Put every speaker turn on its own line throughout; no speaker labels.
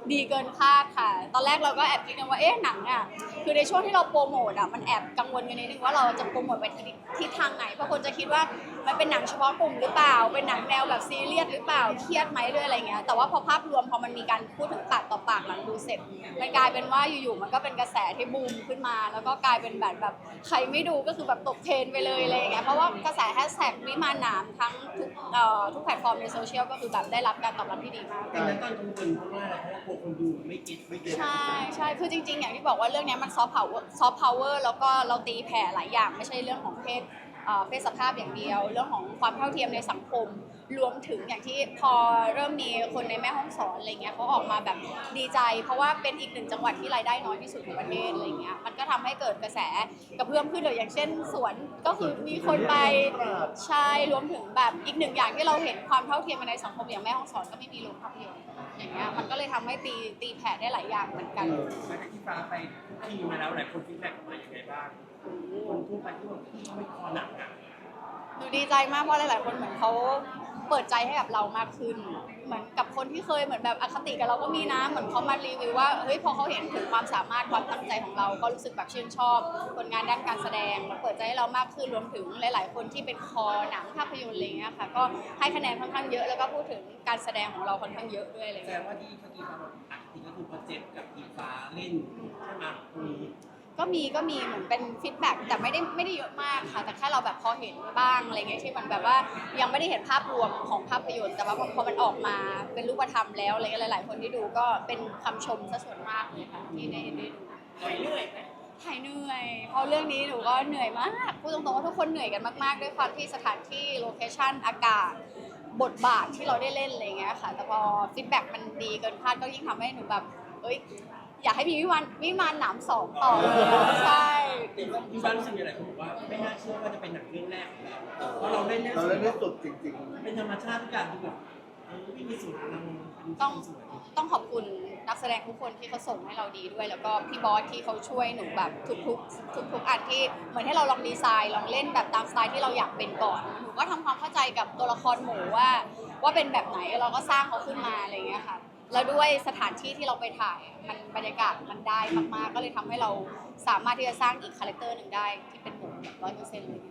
ดีเกินคาดค่ะตอนแรกเราก็แอบคิดกันว่าหนังอ่ะคือในช่วงที่เราโปรโมทอ่ะมันแอบกังวลกันนิดนึงว่าเราจะโปรโมทไปทิศทางไหนเพราะคนจะคิดว่ามันเป็นหนังเฉพาะกลุ่มหรือเปล่าเป็นหนังแนวแบบซีเรียสหรือเปล่าเครียดไหมด้วยอะไรเงี้ยแต่ว่าพอภาพรวมพอมันมีการพูดถึงปากต่อปากหลังดูเสร็จมันกลายเป็นว่าอยู่ๆมันก็เป็นกระแสที่บูมขึ้นมาแล้วก็กลายเป็นแบบใครไม่ดูก็คือแบบตกเทรนด์ไปเลยอะไรเงี้ยเพราะว่ากระแสแฮชแท็กวิมานหนามทั้งทุกแพลตฟอร์มในโซเชียลก็คือแบบได้รับการตอบรับที่ดีมาก
แต่นั้นตอนกังวลเพราะว่าอะไรเพราะว่ากลัวคนดูไม่เก็ต
ใช่ใช่คือจริงๆอย่างที่บอกว่าเรื่องนี้มันซอฟต์พาวเวอร์แล้วก็เราตีแผ่หลายอย่างไม่ใช่เรื่องของเพศสภาพอย่างเดียวเรื่องของความเท่าเทียมในสังคมรวมถึงอย่างที่พอเริ่มมีคนในแม่ฮ่องสอนอะไรเงี้ยเขาออกมาแบบดีใจเพราะว่าเป็นอีกหนึ่งจังหวัดที่รายได้น้อยที่สุดของประเทศอะไรเงี้ยมันก็ทำให้เกิดกระแสกระเพื่อมขึ้นเลยอย่างเช่นสวนก็คือมีคนไปใช่รวมถึงแบบอีกหนึ่งอย่างที่เราเห็นความเท่าเทียมในสังคมอย่างแม่ฮ่องสอนก็ไม่มีโรงภาพยนตร์อย่างเงี้ยมันก็เลยทำให้ตีแผ่ได้หลายอย่างเหมือนกัน
หลังจากที่ฟ้าไปทุกทีมาแล้วหลายคนฟีดแบ็กออกมาอย่างไรบ้างคนทั่วไปที่ว่าไม่คอหนังอ่ะ
หนูดีใจมากเพราะหลายๆคนเหมือนเขาเปิดใจให้กับเรามากขึ้นเหมือนกับคนที่เคยเหมือนแบบอคติกับเราก็มีนะเหมือนเขามารีวิวว่าเฮ้ยพอเขาเห็นถึงความสามารถความตั้งใจของเราก็รู้สึกแบบชื่นชอบผลงานด้านการแสดงแล้วเปิดใจให้เรามากขึ้นรวมถึงหลายๆคนที่เป็นคอหนังภาพยนตร์อะไรเงี้ยค่ะก็ให้คะแนนค่อนข้างเยอะแล้วก็พูดถึงการแสดงของเราค่อนข้างเยอะด้วยอะไร
แสด
เงี้ย
งว่าที่เมื่อกี้ฟ้าบอกอ่ะจริงก็คือพอเจ็บกับอีฟ้าเล่นใช่ไหมตรงนี้
ก็มีเหมือนเป็นฟีดแบ็กแต่ไม่ได้เยอะมากค่ะแต่แค่เราแบบพอเห็นบ้างอะไรเงี้ยที่มันแบบว่ายังไม่ได้เห็นภาพรวมของภาพยนตร์แต่ว่าพอมันออกมาเป็นรูปธรรมแล้วอะไรเงี้ยหลายๆคนที่ดูก็เป็นคำชมซะส่วนมากเลยค่ะที่ได้ดู
หายเหนื่อยไหม
หายเหนื่อยเพราะเรื่องนี้หนูก็เหนื่อยมากพูดตรงๆว่าทุกคนเหนื่อยกันมากๆด้วยความที่สถานที่โลเคชั่นอากาศบทบาทที่เราได้เล่นอะไรเงี้ยค่ะแต่พอฟีดแบ็กมันดีเกินคาดก็ยิ่งทำให้หนูแบบเอ้ยอยากให้มีวิมานหนามสองต่อเลยใช่
ที่บ้านรู้สึกยังไงผมว่าไม่น่าเชื่อว่าจะเป็นหนังเรื่องแรกของเราเพราะเราเล่นเรื่อง
เราเล่นได้สุดจริง
เป็นธรรมชาติทุกอย่างคือแบบไม่มีสูตรเรา
ต้อง
สวย
ต้องขอบคุณนักแสดงทุกคนที่เขาส่งให้เราดีด้วยแล้วก็พี่บอสที่เขาช่วยหนูแบบทุกอันที่เหมือนให้เราลองดีไซน์ลองเล่นแบบตามสไตล์ที่เราอยากเป็นก่อนหนูก็ทำความเข้าใจกับตัวละครหมูว่าเป็นแบบไหนเราก็สร้างเขาขึ้นมาอะไรอย่างเงี้ยค่ะแล้วด้วยสถานที่ที่เราไปถ่ายมันบรรยากาศมันได้มากๆก็เลยทำให้เราสามารถที่จะสร้างอีกคาแรคเตอร์หนึ่งได้ที่เป็นหมูแบบ100%เลย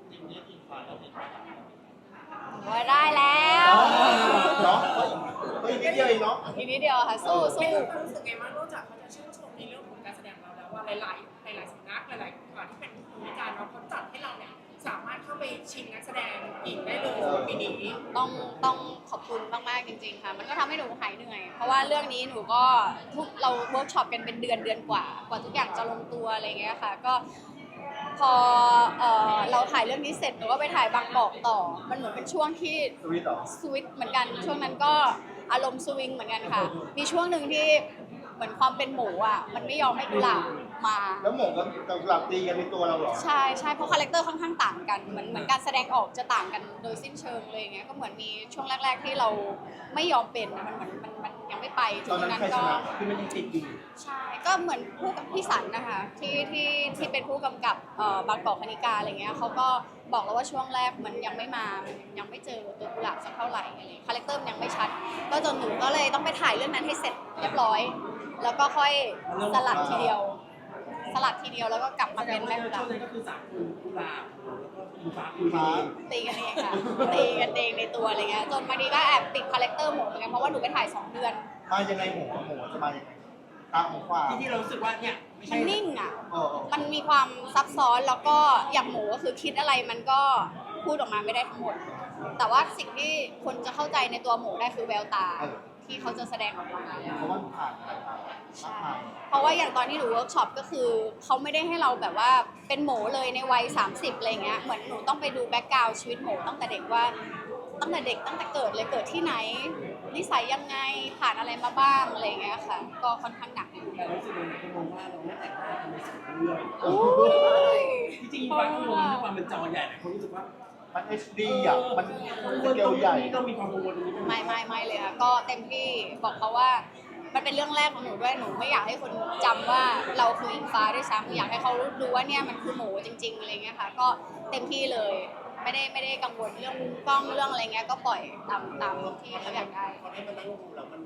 ว่าได้แล้ว
ๆเนาะก็อีกนิดเดียวเองเนาะ
อีกนิดเดียวค่ะสู้
รู้สึกไงบ้างนอกจากเขาจะชื่นชมในเรื่องของการแสดงเราแล้วว่าหลายๆสำนักหลายๆที่เป็นผู้วิจารณ์เขาจัดให้เราเนี่ยสามารถเข้าไปชิงนักแสดงอีกได้เลยปีนี้
ต้องขอบคุณมากๆจริงๆค่ะมันก็ทำให้หนูหายเหนื่อยเพราะว่าเรื่องนี้หนูก็เราเวิร์กช็อปกันเป็นเดือนกว่าทุกอย่างจะลงตัวอะไรเงี้ยค่ะก็พอเราถ่ายเรื่องนี้เสร็จหนูก็ไปถ่ายบางกอกต่อมันเหมือนเป็นช่วงที่
สวิตเหรอ
สวิตช์เหมือนกันช่วงนั้นก็อารมณ์สวิงเหมือนกันค่ะมีช่วงหนึ่งที่เหมือนความเป็นหมูอ่ะมันไม่ยอมให้กุหลาบมา
แล้วหมงกับหลับตีกันในตัวเราเหรอ
ใช่ใช่เพราะคาแรคเตอร์ค่อนข้างต่างกันเหมือนการแสดงออกจะต่างกันโดยสิ้นเชิงเลยอย่างเงี้ยก็เหมือนมีช่วงแรก ๆที่เราไม่ยอมเป็นมันเหมือนมันยังไม่ไปถึงนั้นก็
คือมันยังติดอยู่
ใช่ก็เหมือนผู้กับพี่สันนะคะที่เป็นผู้กำกับบางกอกคณิกาอะไรเงี้ยเขาก็บอกแล้วว่าช่วงแรกมันยังไม่มายังไม่เจอตัวกุหลาบสักเท่าไหร่อะไรคาแรคเตอร์มันยังไม่ชัดก็จนหนูก็เลยต้องไปถ่ายเรื่องนั้นให้เสร็จเรียบร้อยแล้วก็ค่อยสลัดทีเดียวแล้วก็กลับมาเป็นแม่กุหลาบ
ช่วงนั้นก็คือสามคนกุหลาบแล้วก็อิงฟ้า
ตีกันเองค่ะตีกันเองในตัวอะไรเงี้ยจนบางทีก็แอบติดคาแรคเตอร์หมูเหมือนกันเพราะว่าหนูไปถ่าย2 เดือน
มายังไงหมูจะมายังไงตามหมูขวา
ที่เรารู้สึกว่าเนี่ยไม่ใช่
มันนิ่งอ่ะ
เออ
มันมีความซับซ้อนแล้วก็อย่างหมูก็คือคิดอะไรมันก็พูดออกมาไม่ได้ทั้งหมดแต่ว่าสิ่งที่คนจะเข้าใจในตัวหมูได้คือแววตาที่เขาจะแสดงออกมา
เพราะว่าผ่านอะไรมา
ใช่เพราะว่าอย่างตอนที่หนูเวิร์กช็อปก็คือเขาไม่ได้ให้เราแบบว่าเป็นหมูเลยในวัย30อะไรเงี้ยเหมือนหนูต้องไปดูแบ็กกราวด์ชีวิตหมูตั้งแต่เด็กว่าตั้งแต่เกิดเลยเกิดที่ไหนนิสัยยังไงผ่านอะไรมาบ้างอะไรเงี้ยค่ะก็ค่อนข้างหนัก
แต่รู้สึกว่าคนมองว่าเราไม่แต่งหน้าทำในสองเรื่องที่จริงบางคนด้วยความเป็นจอใหญ่หลายคนรู้สึกว่า
มัน HD อ่ะมันสเกลใหญ่
ต้องมีความกังวลตรงนี้
ไม่เลยค่ะก็เต็มที่บอกเขาว่ามันเป็นเรื่องแรกของหนูด้วยหนูไม่อยากให้คนจำว่าเราคืออิงฟ้าด้วยซ้ำอยากให้เขารู้ว่าเนี่ยมันคือหมูจริงๆอะไรเงี้ยค่ะก็เต็มที่เลยไม่ได้กังวลเรื่องมุมกล้องเรื่องอะไรเงี้ยก็ปล่อยตามที่เขาอยากได้
พอได้มานั่งดูแล้วมันมีขีด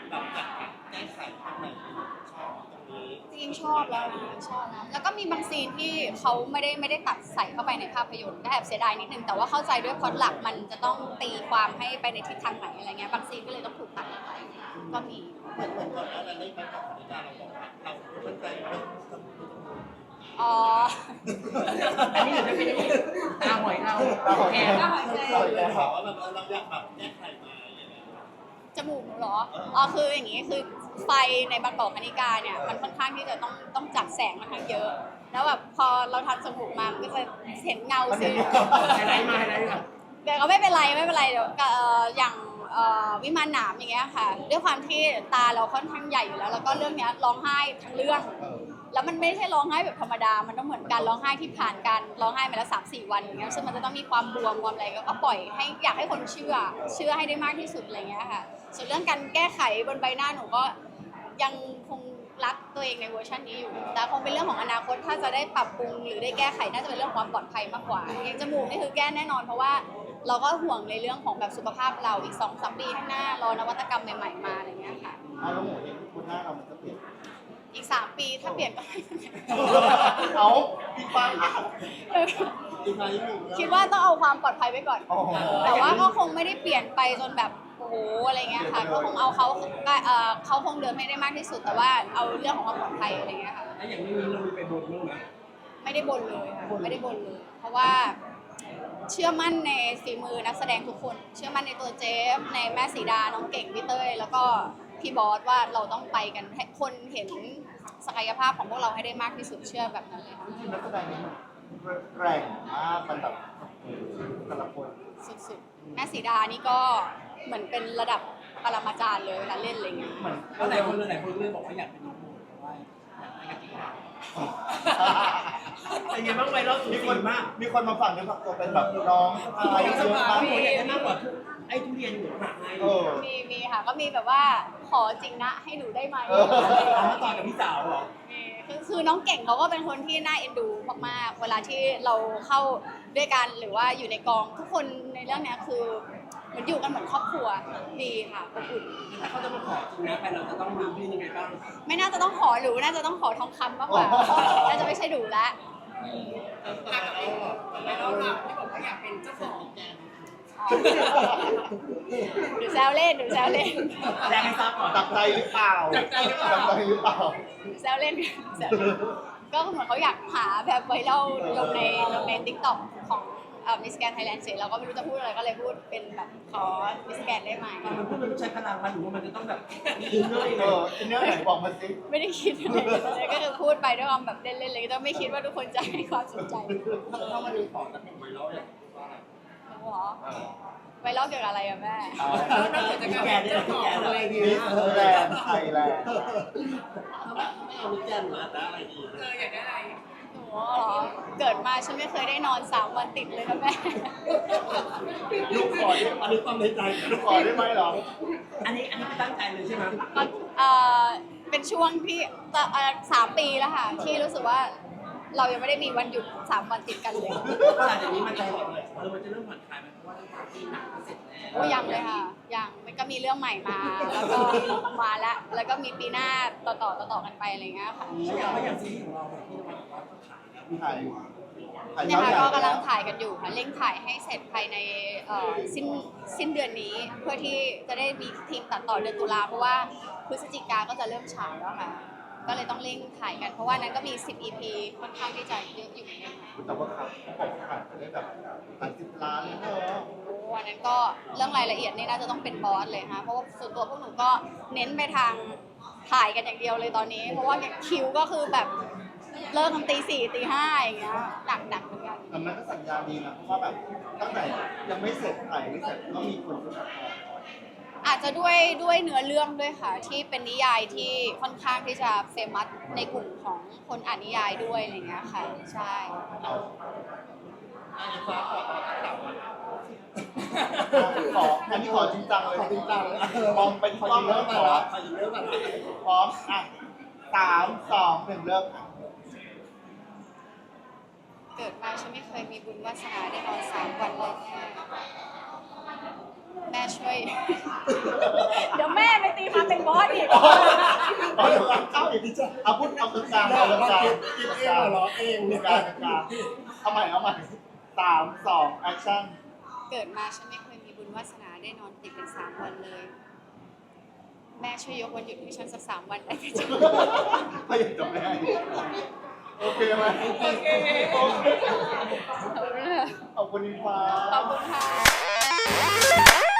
แบบจากการแก้ไขตรงไหนชอบตรงนี้
จริงๆชอบแล้วนะชอบนะแล้วก็มีบางซีนที่เขาไม่ได้ตัดใส่เข้าไปในภาพยนตร์ก็แอบเสียดายนิดนึงแต่ว่าเข้าใจด้วยพล็อตหลักมันจะต้องตีความให้ไปในทิศทางไหนอะไรเงี้ยบางซีนก็เลยต้องถูกตัดออกไปก็มี
เหมือนก่อนหน้านั้นในการตัดสินใจเราบอกว่าเรามั่นใจว่าจะมู
อ๋อ
อันนี้เดี๋ยวจะเป็นตาหอยเราแอน
เราบอกว่าแบบเราอยากแบบแก้ไขมาอย่างเงี้ย
จมูกหนูเหรออ๋อคืออย่างนี้คือไฟในบางกอกคณิกาเนี่ยมันค่อนข้างที่จะต้องจัดแสงค่อนข้างเยอะ แล้วแบบพอเราทำจมูกมามันก็จะเห็นเงาซีน
ไฮไลท์มาไฮไลท์มา
แต่ก็ไม่เป็นไรเดี๋ยวอย่างวิมานหนามอย่างเงี้ยค่ะด้วยความที่ตาเราค่อนข้างใหญ่อยู่แล้วแล้วก็เรื่องเนี้ยร้องไห้ทั้งเรื่อง แล้วมันไม่ใช่ร้องไห้แบบธรรมดา มันต้องเหมือนการร้องไห้ที่ผ่านการร้องไห้มาแล้ว3-4 วันอย่างเงี้ยซึ่งมันจะต้องมีความบวมความอะไรก็ปล่อยให้อยากให้คนเชื่อให้ได้มากที่สุดอะไรเงี้ยค่ะส่วนเรื่องการแก้ไขบนใบหน้าหนูก็ยังคงรักตัวเองในเวอร์ชันนี้อยู่แต่คงเป็นเรื่องของอนาคตถ้าจะได้ปรับปรุงหรือได้แก้ไขน่าจะเป็นเรื่องความปลอดภัยมากกว่าอย่างจมูกนี่คือแก้แน่นอนเพราะว่าเราก็ห่วงในเรื่องของแบบสุขภาพเราอีก 2-3 ปีข้างหน้ารอนวัตกรรมใหม่ๆมาอะไรเงี้ยค่ะ
แล้วหมูเนี่ยคุณหน้าเรามันจะเปลี่ยน
อีก3 ปีถ้าเปลี่ยนก็ไม่เป็นไร
เอาพี่ปัง
อีกหน่อยหนึ่ง
คิดว่าต้องเอาความปลอดภัยไว้ก่อน
โอ้โห
แต่ว่าก็คงไม่ได้เปลี่ยนไปจนแบบโอ้โหอะไรเงี้ยค่ะ ก็คงเอาเขาคงเดินให้ได้มากที่สุด แต่ว่าเอาเรื่องของความปลอดภัยอะไรเงี้ยค่ะ
แล้วอย่างนี้เรามีไปบนบ้างไหม
ไม่ได้บ่นเลยค่ะไม่ได้บ่นเลย เพราะว่าเชื่อมั่นในฝีมือนักแสดงทุกคน เชื่อมั่นในตัวเจฟในแม่สีดา น้องเก่งพี่เต้ย แล้วก็พี่บอสว่าเราต้องไปกันให้คนเห็นศักยภาพของพวกเราให้ได้มากที่สุดเชื่อแบบนั้นเลยค่ะ
ที่นักแสดงนี่มันแรงมากมันแบบแต่ละคน
สุดๆแม่สีดานี่ก็เหมือนเป็นระดับปรมาจารย์เลยเวลาเล่นอะไรเงี้ย
เหมือน
ก็หลายคนเลยบอกว่าอยากเป็นน้องโมเพราะว่าอยากได้กระติกน้ำเป็นไงบ้างไวรัลสุด
มี
สี
คน
มาก
มีคนมาฝั่งนี้ฝักตัวเป็นแบบน้องสะพ้ายเยอะมาก
พี่อยากได้มากกว่าไอ้ทุเรียนหนูหนักไง
เออ
มีค่ะก็มีแบบว่าขอจริงนะให้หนูได้ไหม
เออ
เอามาต่อกับพี่สาวเหรอ
คือน้องเก่งเขาก็เป็นคนที่น่าเอ็นดูมากๆเวลาที่เราเข้าด้วยกันหรือว่าอยู่ในกองทุกคนในเรื่องเนี้ยคือเหมือนอยู่กันเหมือนครอบครัวดีค่ะอบอุ่น
ถ้าเขาจะมาขอจริงนะไปเราจะต้องมีพี่ยังไงบ้าง
ไม่น่าจะต้องขอหรูน่าจะต้องขอทองคำมากกว่าน่าจะไม่ใช่หรูละ
แล้วเราที่บอกว่าอยากเป็นเจ้าของ
หนูแซวเล่น
แจ้งให้ทราบก่อน
จับใจหรือเปล่าจับใจหรือเปล่า
แซวเล่นก็เหมือนเขาอยากหาแบบไวรัลลงในติ๊กต็อกของมิสแกนไทยแลนด์เสร็จเราก็ไม่รู้จะพูดอะไรก็เลยพูดเป็นแบบขอมิสแกนได้ไหม
มันพูดมันต้องใช้พลังมันหรือว่ามันจะต้องแบบอินเนอร์ยังไง
อินเนอร์ไหนบอกมาสิ
ไม่ได้คิดอะไรเลยก็คือพูดไปด้วยความแบบเล่นๆเลยก็ไม่คิดว่าทุกคนจะให้ความสนใจ
ถ้ามันมีของจากไวรัลเนี่ยว่าอะไร
หนูเหรอไวรัลเกี่ยวกับอะไรอะแม่
แล้วนอกจากจะกลายเป็นเจ้าของอะไร
มิ
เนี่ย
สแลนด์ไทยแลนด์
ไม่เอามิแกนมาแต่อะไรดี
อยากได้อะไร
หนูเหรอเกิดมาฉันไม่เคยได้นอน3 วันติดเลยนะแม่
ลูกขอได้
อันนี้ความในใจ
ลูกขอได้ไหมเหรอ
อันนี้คือตั้งใจเลยใช่ไหม
ก็เป็นช่วงที่3 ปีแล้วค่ะ ที่รู้สึกว่าเรายังไม่ได้มีวันหยุด3 วันติดกันเลย
ก็หลังจากนี้มันจะมันจะเริ่มผ่อนคลายไหมเพราะว่าที่หนักเสร็จแล้ว
โอ้ยังเลยค่ะยังมันก็มีเรื่องใหม่มาแล้วก็มาแล้วก็มีปีหน้าต่อกันไปอะไรเงี้ยค่ะ
อย่างซีรีส์ของเราเนี่ยที่นวัดบอกว่าขายแล้ว
ถ่าย
เนี่ยค่ะก็กำลังถ่ายกันอยู่ค่ะเร่งถ่ายให้เสร็จภายในสิ้นเดือนนี้ เพื่อที่จะได้มีทีมตัดต่อเดือนตุลาเพราะว่าพฤศจิกาก็จะเริ่มฉายแล้วค่ะ ก็เลยต้องเร่งถ่ายกันเพราะว่านั้นก็มี10 EP ค่อนข้างที่จะเยอะอยู่เหมือนกันค่ะ
แต่ว่าครับเขาบอกขายไปได้แบบหลาย10 ล้านเลยเธอ
โอ้อันนั้นก็เรื่องรายละเอียดนี่น่าจะต้องเป็นบอสเลยค่ะเพราะว่าส่วนตัวพวกหนูก็เน้นไปทางถ่ายกันอย่างเดียวเลยตอนนี้ เพราะว่าอย่างคิวก็คือแบบเลิกกันตี 4 ตี 5อย่างเงี้ยหนักเหมือนกัน
แต่มันก็สัญญาณดีนะเพราะว่าแบบตั้งแต่ยังไม่เสร็จถ่ายไม่เสร็จก็มีคนจะมาขอ
อาจจะด้วยเนื้อเรื่องด้วยค่ะ ที่เป็นนิยายที่ค่อนข้างที่จะเฟมัสในกลุ่มของคนอ่านนิยายด้วยอะไรเงี้ยค่ะใช่
อันนี้ฟ้าขอต่อจากเรา
ขออันนี้ขอจริงจังเลยจริงจังมองไปที่กล้องแล้วขอ
ขอยินเรื่องแบบ
พร้อมอ่ะ3 2 1เริ่มค่ะ
เกิดมาฉันไม่เคยมีบุญวาสนาได้นอน3 วันเลยแม่ช่วย เดี๋ยวแม่ไปตีความเป็นบอสอีก
เอาเดี๋ยวเอาอีกทีจ้ะเอาพูดเอากลางๆเอากลางๆ
คิดเองเหรอเอง
ก
เนี่ย
ลางๆเอาใหม่3 2แอคชั่น
เกิดมาฉันไม่เคยมีบุญวาสนาได้นอนติดกัน3 วันเลย แม่ช่วยยกวันหยุดให้ฉันสัก3 วันได้ไหมจ๊ะ
ถ้าอยากจะแม่โอเคไหมโอเคขอบคุณอิงฟ้า
ขอบคุณค่ะ